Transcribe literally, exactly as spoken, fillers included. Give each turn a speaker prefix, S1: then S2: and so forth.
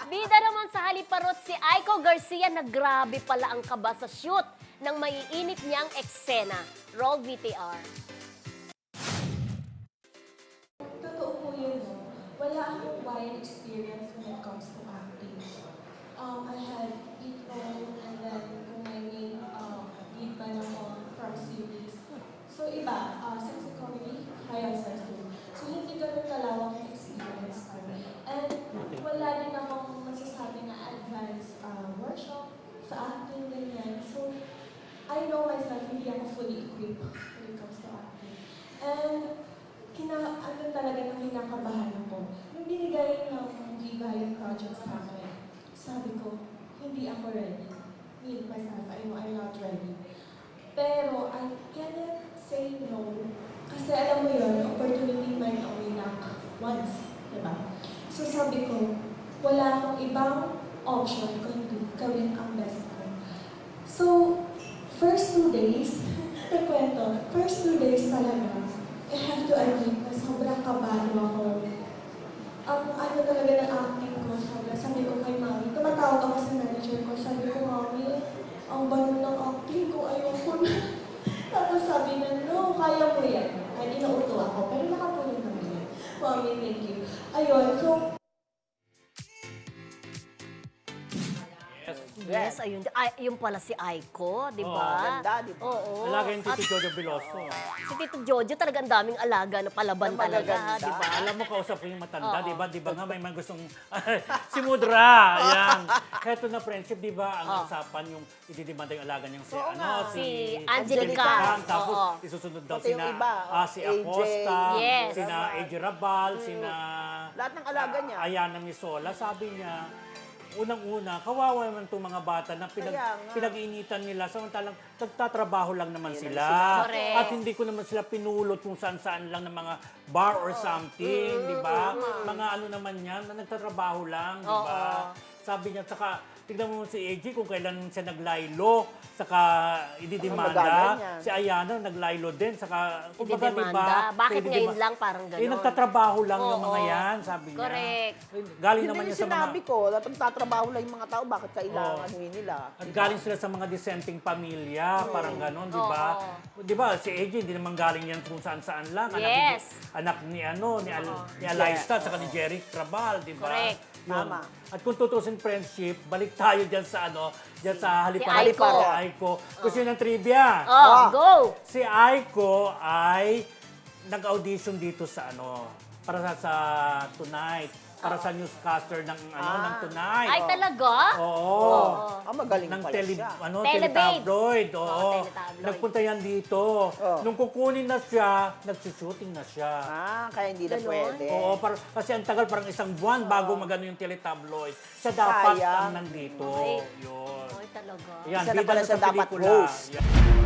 S1: Bida naman sa haliparot si Aiko Garcia na grabe pala ang kaba sa shoot ng maiinit niyang eksena. Roll V T R.
S2: Totoo po yun, no? Wala akong wide experience when it comes to acting. Um, I had lead role and then kung may main um, lead pa naman from series. So iba, uh, sex and comedy, high sex too. So hindi ganun kalawak yung experience ko. And wala din akong masasabi na advanced uh, workshop sa acting, ganyan. So I know myself, hindi ako fully equipped when it comes to acting. And kina, ano talaga nang kinakabahan ako. Nung binigay ng Viva yung project sa akin, sabi ko, hindi ako ready. Me, myself, I know I'm not ready. Pero I cannot say no. Kasi alam mo yun, opportunity might only knock once. Diba? So sabi ko, wala akong ibang option kundi gawin ang best ko. So, first two days, nagkwento, first two days talaga, I have to admit na sobrang kabado ako. Ang ano talaga ng acting ko, sobrang sabi ko kay Mami, tumatawag ako sa manager ko, sabi ko, Mami, ang bano ng acting ko, ayoko na. Tapos sabi na, no, kaya mo yan. Ay, inauto ako, pero nakapulong naman yan. Mami, thank you. Ayun, so,
S1: Yes, ayun. Ay, yung pala si Aiko, di ba?
S3: Oo, ganda, di ba?
S1: Oo.
S4: Alaga yung
S1: At
S4: Tito Jojo Veloso.
S1: si Tito Jojo talagang daming alaga na palaban
S3: Na
S1: talaga,
S3: magaganda.
S1: di ba?
S4: Alam mo, kausap ko yung matanda,
S1: Oo.
S4: di ba? Di ba nga may mga gustong... si Mudra! Yan. Heto na friendship, di ba? Ang
S1: Oo.
S4: usapan yung ididimanda yung alaga niyang si,
S3: Oo
S4: ano,
S3: nga.
S1: Si Angelica.
S4: Kang, tapos
S1: Oo.
S4: isusunod daw
S3: Pati yung
S4: sina
S3: iba,
S4: ah, si
S3: A J.
S4: Acosta,
S1: Yes.
S4: sina A J Rabal, sina...
S3: Lahat ng alaga niya.
S4: ah, Ayana Misola. Sabi niya, unang-una, kawawa naman itong mga bata na pinag,
S3: Kaya nga.
S4: pinag-iinitan nila. Samantalang nagtatrabaho lang naman
S3: Ayun
S4: sila.
S3: sila.
S1: Correct.
S4: At hindi ko naman sila pinulot kung saan-saan lang ng mga bar or something, di ba? Mga ano naman yan, na nagtatrabaho lang, di ba? Sabi niya, saka, tignan mo si A J kung kailan siya naglaylo, saka
S3: Ang
S4: ididimanda.
S3: magagan niya.
S4: Si Ayana naglaylo din, saka, kumbaga, di
S1: Ididimanda.
S4: ba?
S1: Bakit
S4: Ididima-
S1: ngayon lang parang
S4: Eh,
S1: ganon?
S4: nagtatrabaho lang yung
S1: Oo.
S4: mga yan, sabi niya.
S1: Correct.
S4: Eh, Galing
S3: Yun
S4: naman
S3: din
S4: yan
S3: yung
S4: sa mga...
S3: sinabi ko, dapat nagtatrabaho lang yung mga tao, bakit kailangan
S4: Oo.
S3: yun nila?
S4: At galing sila sa mga dissenting pamilya, parang gano'n, di ba?
S1: Oo.
S4: Di ba, si A J, hindi naman galing yan kung saan-saan lang. Anak,
S1: Yes.
S4: ni, anak ni ano, ni, Al, ni Alaista, saka ni Jerry Trabal, di ba?
S1: Correct.
S4: Yun.
S3: Tama.
S4: At kung tutusin friendship, balik tayo dyan sa ano, dyan sa Halipara.
S1: Si Aiko.
S4: Si Aiko. Gusto nyo ng trivia?
S1: Oh,
S3: Ah.
S1: go!
S4: Si Aiko ay nag-audition dito sa ano, para sa, sa Tonight. Para sa newscaster ng ano
S3: Ah.
S4: ng Tonight.
S1: Ay, talaga?
S4: Oo.
S3: Ah, magaling
S4: ng
S3: pala
S4: tele,
S3: siya.
S4: ano,
S1: Telebabe.
S4: teletabloid. Oo.
S1: Oo, teletabloid.
S4: Nagpunta yan dito.
S3: Oh.
S4: Nung kukunin na siya, nagsushooting na siya.
S3: Ah, kaya hindi na
S1: Ganon?
S3: pwede.
S4: Oo, par, kasi ang tagal, parang isang buwan bago magano yung teletabloid. Siya dapat
S3: Sayang.
S4: ang nandito.
S1: Ay.
S4: Yun.
S1: Ay, talaga.
S4: Yan,
S3: Isa na
S4: bida
S3: pala
S4: na
S3: siya
S4: sa
S3: dapat
S4: pelikula.
S3: host.
S4: Yan.